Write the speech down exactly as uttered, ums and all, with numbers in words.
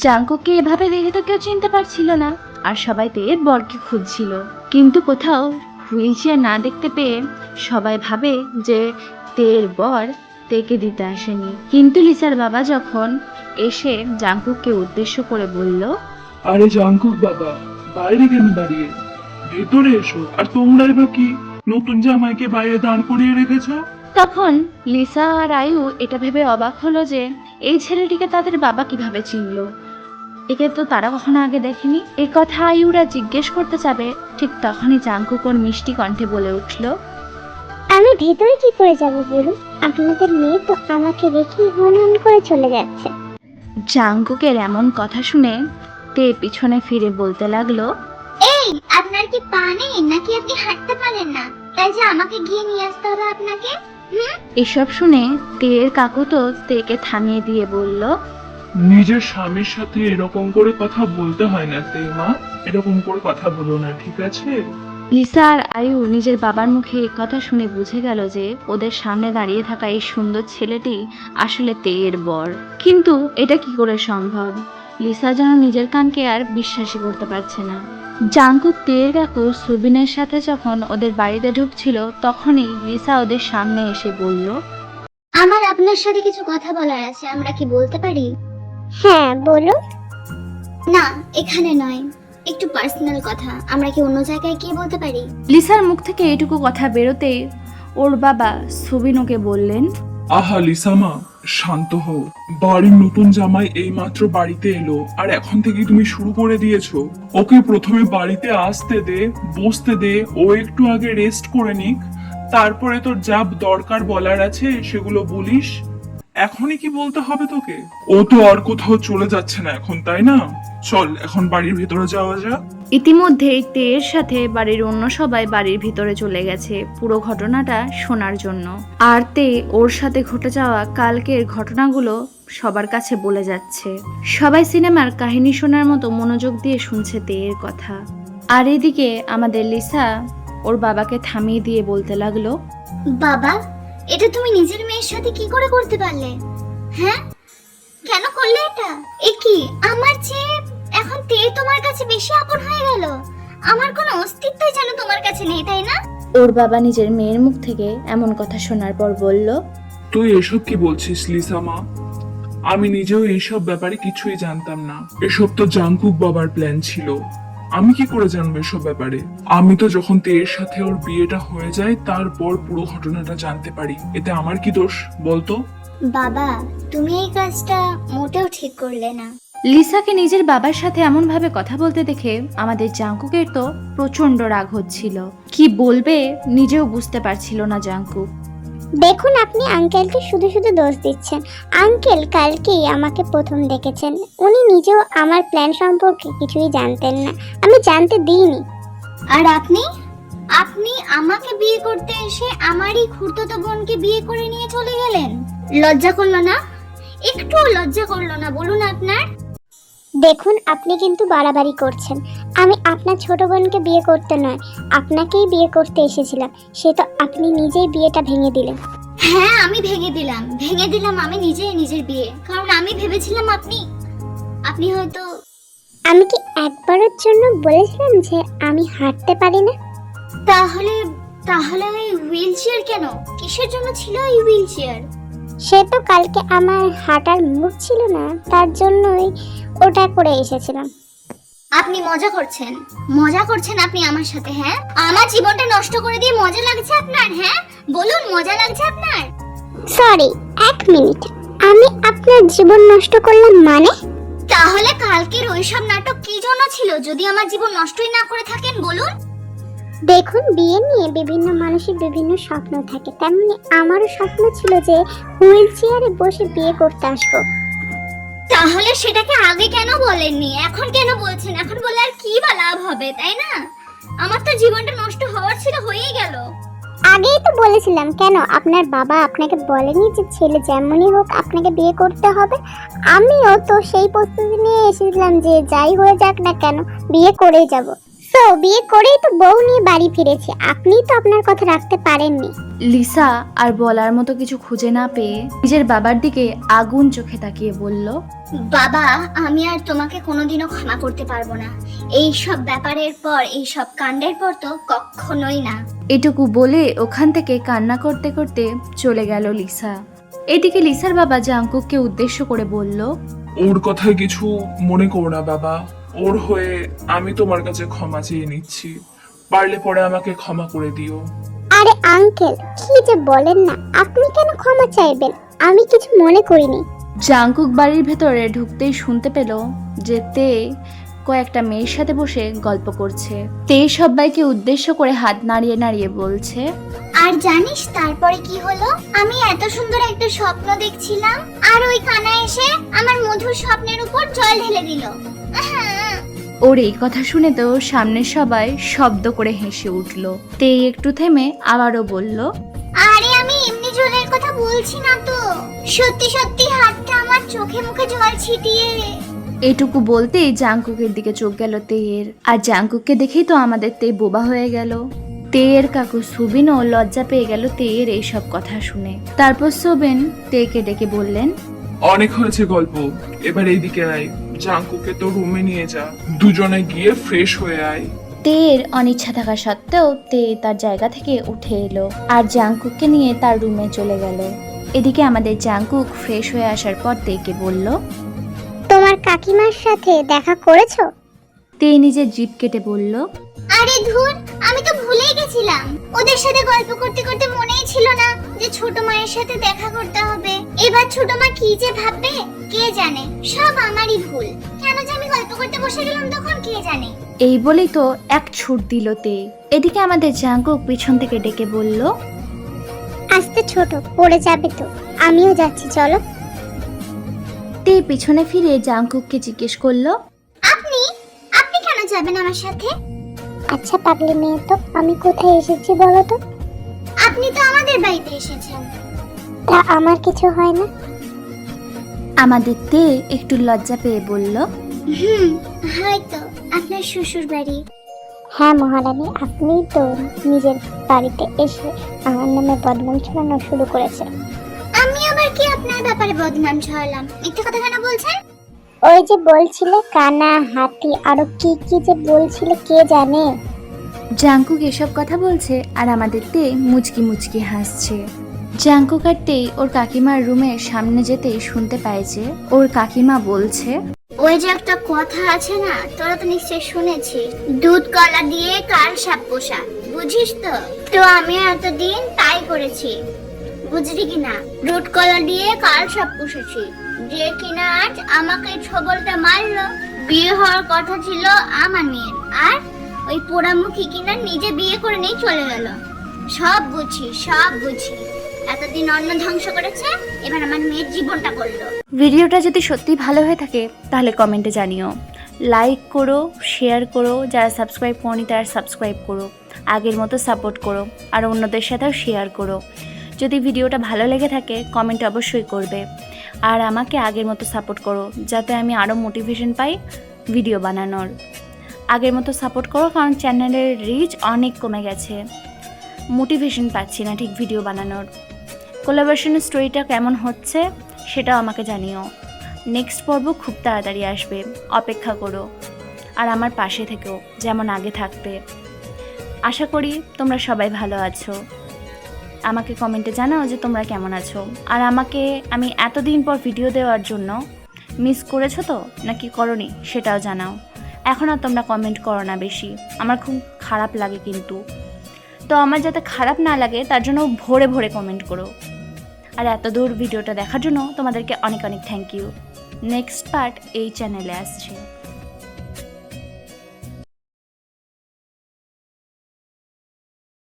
জাঙ্কুককে এভাবে দেখে তো কেউ চিনতে পারছিল না, আর সবাই তেয়ের বরকে খুঁজছিল, কিন্তু কোথাও হুইল চেয়ার না দেখতে পেয়ে সবাই ভাবে যে তেয়ের বর তেকে দিতে আসেনি। কিন্তু লিসার বাবা যখন এসে জাঙ্কুককে উদ্দেশ্য করে বলল, আরে জাঙ্কুক বাবা, বাইরে কেন দাঁড়িয়ে, ভেতরে এসো। আর তোমরা এবার কি নতুন জামাইকে বাইরে দাঁড় করিয়ে রেখেছ? তখন লিসা আর আয়ু এটা ভেবে অবাক হলো যে এই ছেলেটিকে তাদের বাবা কিভাবে চিনল, একে তো তারা কখনো আগে দেখেনি। এই কথা আয়ুরা জিজ্ঞেস করতে যাবে, ঠিক তখনই জাঙ্কুক ওর মিষ্টি কণ্ঠে বলে উঠল, আমি ভেতরে কি করে যাব বলুন? আপনাদের মেয়ে তো আমাকে রেখে হনহন করে চলে যাচ্ছে। জাঙ্কুকের এমন কথা শুনে তে পিছনে ফিরে বলতে লাগলো, এই, আপনার কি পা নেই নাকি আপনি হাঁটতে পারেন না, তাই যে আমাকে গিয়ে নিয়ে আসতে হবে আপনাকে? এসব শুনে তের কাকু তো তেকে থামিয়ে দিয়ে বলল, নিজের স্বামীর সাথে এরকম করে কথা বলতে হয় না তে মা, এরকম করে কথা বলো না, ঠিক আছে? লিসা আর আয়ু নিজের বাবার মুখে এই কথা শুনে বুঝে গেল যে ওদের সামনে দাঁড়িয়ে থাকা এই সুন্দর ছেলেটি আসলে তেয়ের বর। কিন্তু এটা কি করে সম্ভব? লিসা যেন নিজের কানকে আর বিশ্বাসই করতে পারছে না। জাঙ্কুক তেয়ের কাকু সুবিনের সাথে যখন ওদের বাড়িতে ঢুকছিল, তখনই লিসা ওদের সামনে এসে বলল, আমার আপনার সাথে কিছু কথা বলার আছে, আমরা কি বলতে পারি? হ্যাঁ বলো। না, এখানে নয়, একটু পার্সোনাল কথা, আমরা কি অন্য জায়গায় গিয়ে বলতে পারি? লিসার মুখ থেকে এটুকু কথা বেরোতেই ওর বাবা সুবিন ওকে বললেন, আহা লিসামা, শান্ত হও। বাড়ির নতুন জামাই এইমাত্র বাড়িতে এলো, আর এখন থেকে তুমি শুরু করে দিয়েছো। ওকে প্রথমে বাড়িতে আসতে দে, বসতে দে, ও একটু আগে রেস্ট করে নিক, তারপরে তোর যা দরকার বলার আছে সেগুলো বলিস। এখনই কি বলতে হবে তোকে? ও তো আর কোথাও চলে যাচ্ছে না এখন, তাই না? চল এখন বাড়ির ভেতরে যাওয়া যাক। ইতিমধ্যেই তেয়ের সাথে বাড়ির অন্য সবাই বাড়ির ভিতরে চলে গেছে পুরো ঘটনাটা শোনার জন্য। আর তে ওর সাথে ঘটে যাওয়া কালকের ঘটনাগুলো সবার কাছে বলে যাচ্ছে। সবাই সিনেমার কাহিনী শোনার মতো মনোযোগ দিয়ে শুনছে তেয়ের কথা। আর এদিকে আমাদের লিসা ওর বাবাকে থামিয়ে দিয়ে বলতে লাগলো, বাবা, এটা তুমি নিজের মেয়ের সাথে কি করে করতে পারলে? হ্যাঁ, কেন করলে এটা? এ কি, আমার চেয়ে এখন তে তোমার কাছে বেশি আপন হয়ে গেল? আমার কোনো অস্তিত্বই যেন তোমার কাছে নেই, তাই না? ওর বাবা নিজের মেয়ের মুখ থেকে এমন কথা শোনার পর বলল, তুই এসব কি বলছিস লিসামা? আমি নিজেও এইসব ব্যাপারে কিছুই জানতাম না। এসব তো জাঙ্কুক বাবার প্ল্যান ছিল। আমি কি করে জানবো এসব ব্যাপারে? আমি তো যখন তেয়ের সাথে ওর বিয়েটা হয়ে যায় তারপর পুরো ঘটনাটা জানতে পারি। এতে আমার কি দোষ বলতো? বাবা, তুমি এই কাজটা মোটেও ঠিক করলে না। লিসাকে নিজের বাবার সাথে এমন ভাবে কথা বলতে দেখে আমাদের জাঙ্কুকের তো প্রচন্ড রাগ হচ্ছিল। কি বলবে নিজেও বুঝতে পারছিল না জাঙ্কুক। দেখুন, আপনি আঙ্কেলকে শুধু শুধু দোষ দিচ্ছেন। আঙ্কেল কালকেই আমাকে প্রথম দেখেছেন, উনি নিজেও আমার প্ল্যান সম্পর্কে কিছুই জানতেন না, আমি জানতে দিইনি। আর আপনি আপনি আমাকে বিয়ে করতে এসে আমারই খুড়তুতো বোনকে বিয়ে করে নিয়ে চলে গেলেন। লজ্জা করলো না? একটুও লজ্জা করলো না বলুন আপনার? দেখুন, আপনি কিন্তু বাড়াবাড়ি করছেন। আমি আপনার ছোট বোনকে বিয়ে করতে নয়, আপনাকেই বিয়ে করতে এসেছিলাম। সে তো আপনি নিজেই বিয়েটা ভেঙে দিলেন। হ্যাঁ, আমি ভেঙে দিলাম ভেঙে দিলাম আমি নিজেই নিজের বিয়ে, কারণ আমি ভেবেছিলাম আপনি আপনি হয়তো। আমি কি একবারের জন্য বলেছিলাম যে আমি হাঁটতে পারি না? তাহলে তাহলে ওই হুইল চেয়ার কেন? কিসের জন্য ছিল ওই হুইল চেয়ার? সে তো কালকে আমার হাঁটার মুড ছিল না, তার জন্যই ওটা করে এসেছিলাম। আপনি মজা করছেন মজা করছেন আপনি আমার সাথে? হ্যাঁ, আমার জীবনটা নষ্ট করে দিয়ে মজা লাগছে আপনার? হ্যাঁ বলুন, মজা লাগছে আপনার? সরি, এক মিনিট, আমি আপনার জীবন নষ্ট করলাম মানে? তাহলে কালকের ওইসব নাটক কি জন্য ছিল যদি আমার জীবন নষ্টই না করে থাকেন? বলুন। দেখুন, বিয়ে নিয়ে বিভিন্ন মানুষের বিভিন্ন স্বপ্ন থাকে, তেমনি আমারও স্বপ্ন ছিল যে হুইল চেয়ারে বসে বিয়ে করতে আসবো। তাহলে সেটাকে আগে কেন বলেননি? এখন কেন বলছেন? এখন বলে আর কি বা লাভ হবে, তাই না? আমার তো জীবনটা নষ্ট হওয়ার ছিল, হয়েই গেল। আগেই তো বলেছিলাম। কেন আপনার বাবা আপনাকে বলেনি যে ছেলে যেমনই হোক আপনাকে বিয়ে করতে হবে? আমিও তো সেই প্রস্তুতি নিয়ে এসেছিলাম যে যাই হয়ে যাক না কেন বিয়ে করেই যাব। তো বিয়ে করেই তো বউ নিয়ে বাড়ি ফিরেছে, আপনি তো আপনার কথা রাখতে পারেননি। লিসা আর বলার মতো কিছু খুঁজে না পেয়ে নিজের বাবার দিকে আগুন চোখে তাকিয়ে বলল, বাবা, আমি আর তোমাকে কোনোদিনও ক্ষমা করতে পারবো না। এই সব ব্যাপারের পর, এই সব কাণ্ডের পর তো কখনোই না। এটুকু বলে ওখান থেকে কান্না করতে করতে চলে গেল লিসা। এদিকে লিসার বাবা জাংকুককে উদ্দেশ্য করে বলল, ওর কথায় কিছু মনে করো না বাবা, ওর হয়ে আমি তোমার কাছে ক্ষমা চেয়ে নিচ্ছি, পারলে পরে আমাকে ক্ষমা করে দিও। আরে আঙ্কেল, কি যে বলেন না, আপনি কেন ক্ষমা চাইবেন? আমি কিছু মনে করিনি। জাংকুক বাড়ির ভেতরে ঢুকতেই শুনতে পেল যে তে কয়েকটা মেয়ের সাথে বসে গল্প করছে। তে সবাইকে উদ্দেশ্য করে হাত নাড়িয়ে নাড়িয়ে বলছে, আর জানিস তারপরে কি হলো? আমি এত সুন্দর একটা স্বপ্ন দেখছিলাম, আর ওই কানা এসে আমার মধুর স্বপ্নের উপর জল ঢেলে দিল। আহা! ওর এই কথা শুনে তো সামনের সবাই শব্দ করে হেসে উঠল। তে একটু থেমে আবারও বলল, আরে আমি এমনি জলের কথা বলছি না তো, সত্যি সত্যি হাতটা আমার চোখে মুখে জল ছিটিয়ে। এটুকু বলতেই জাংকুকের দিকে চোখ গেল তেয়ের, আর জাংকুককে দেখেই তো আমাদের তে বোবা হয়ে গেল। তেয়ের কাকু সুবিনও লজ্জা পেয়ে গেল তেয়ের এইসব কথা শুনে। তারপর সুবিন তেকে ডেকে বললেন, অনেক হয়েছে গল্প, এবার এইদিকে আয়, জাঙ্কুকে তো রুমে নিয়ে যা, দুজনে গিয়ে ফ্রেশ হয়ে আয়। তেয়ের অনিচ্ছা থাকা সত্ত্বেও তে তার জায়গা থেকে উঠে এলো আর জাংকুককে নিয়ে তার রুমে চলে গেল। এদিকে আমাদের জাংকুক ফ্রেশ হয়ে আসার পর তেকে বলল, তোমার কাকিমার সাথে দেখা করেছো? তে নিজের জিভ কেটে বলল, আরে ধুর, আমি তো ভুলেই গেছিলাম। ওদের সাথে গল্প করতে করতে মনেই ছিল না যে ছোট মায়ের সাথে দেখা করতে হবে। এবার ছোট মা কি যে ভাববে কে জানে, সব আমারই ভুল। কেন যে আমি গল্প করতে বসে গেলাম তখন কে জানে। এই বলেই তো এক ছুট দিল তে। এদিকে আমাদের জাংকুক পিছন থেকে ডেকে বলল, আস্তে ছোট, পড়ে যাবে তো, আমিও যাচ্ছি, চলো। তে পিছনে ফিরে জাংকুককে জিজ্ঞেস করলো, আপনি আপনি কেন যাবেন আমার সাথে? আচ্ছা পাগলি মেয়ে, তো আমি কোথায় এসেছি বলো তো? আপনি তো আমাদের বাড়িতে এসেছেন। তা আমার কিছু হয় না? আমাদের তে একটু লজ্জা পেয়ে বলল, হুম, হয়তো আপনার শ্বশুর বাড়ি। হ্যাঁ মহারানী, আপনি তো নিজের বাড়িতে এসে আমার নামে বদনাম ছড়ানো শুরু করেছে। আমি আবার কি আপনার ব্যাপারে বদনাম ছড়ালাম? মিথ্যে কথা কেন বলছেন? ওই যে বলছিলে কানা, হাতি, আরো কি কি যে বলছিলে কে জানে। জাংকুক এসব কথা বলছে আর আমাদের তে মুচকি মুচকি হাসছে। জাংকুক আর তে ওর কাকিমার রুমের সামনে যেতেই শুনতে পায় যে ওর কাকিমা বলছে, ওই যে একটা কথা আছে না, তোরা তো নিশ্চয়ই শুনেছিস, দুধ কলা দিয়ে কাল সাপ পোষা, বুঝিস তো? তো আমি এতদিন তাই করেছি, বুঝলি কিনা? দুধ কলা দিয়ে কাল সাপ পুষেছি, যে কিনা আজ আমাকে ছবলটা মারলো। বিয়ে হওয়ার কথা ছিল আমার মেয়ের, আর ওই পোড়ামুখী কিনা নিজে বিয়ে করে নিয়ে চলে গেল। সব বুঝি, সব বুঝি। এতদিন অন্ন ধ্বংস করেছে, এবার আমার মেয়ের জীবনটা করলো। ভিডিওটা যদি সত্যি ভালো হয়ে থাকে তাহলে কমেন্টে জানিও, লাইক করো, শেয়ার করো, যারা সাবস্ক্রাইব করনি তারা সাবস্ক্রাইব করো, আগের মতো সাপোর্ট করো, আর অন্যদের সাথেও শেয়ার করো। যদি ভিডিওটা ভালো লেগে থাকে কমেন্ট অবশ্যই করবে, আর আমাকে আগের মতো সাপোর্ট করো যাতে আমি আরও মোটিভেশন পাই ভিডিও বানানোর। আগের মতো সাপোর্ট করো, কারণ চ্যানেলের রিচ অনেক কমে গেছে, মোটিভেশন পাচ্ছি না ঠিক ভিডিও বানানোর। কোলাবোরেশন স্টোরিটা কেমন হচ্ছে সেটাও আমাকে জানিও। নেক্সট পর্ব খুব তাড়াতাড়ি আসবে, অপেক্ষা করো, আর আমার পাশে থেকেও যেমন আগে থাকতে। আশা করি তোমরা সবাই ভালো আছো। আমাকে কমেন্টে জানাও যে তোমরা কেমন আছো, আর আমাকে আমি এতদিন পর ভিডিও দেওয়ার জন্য মিস করেছো তো নাকি করনি সেটাও জানাও। এখন আর তোমরা কমেন্ট করো না বেশি, আমার খুব খারাপ লাগে কিন্তু। তো আমার যাতে খারাপ না লাগে তার জন্য ভরে ভরে কমেন্ট করো। আর এত দূর ভিডিওটা দেখার জন্য তোমাদেরকে অনেক অনেক থ্যাংক ইউ। নেক্সট পার্ট এই চ্যানেলে আসছে।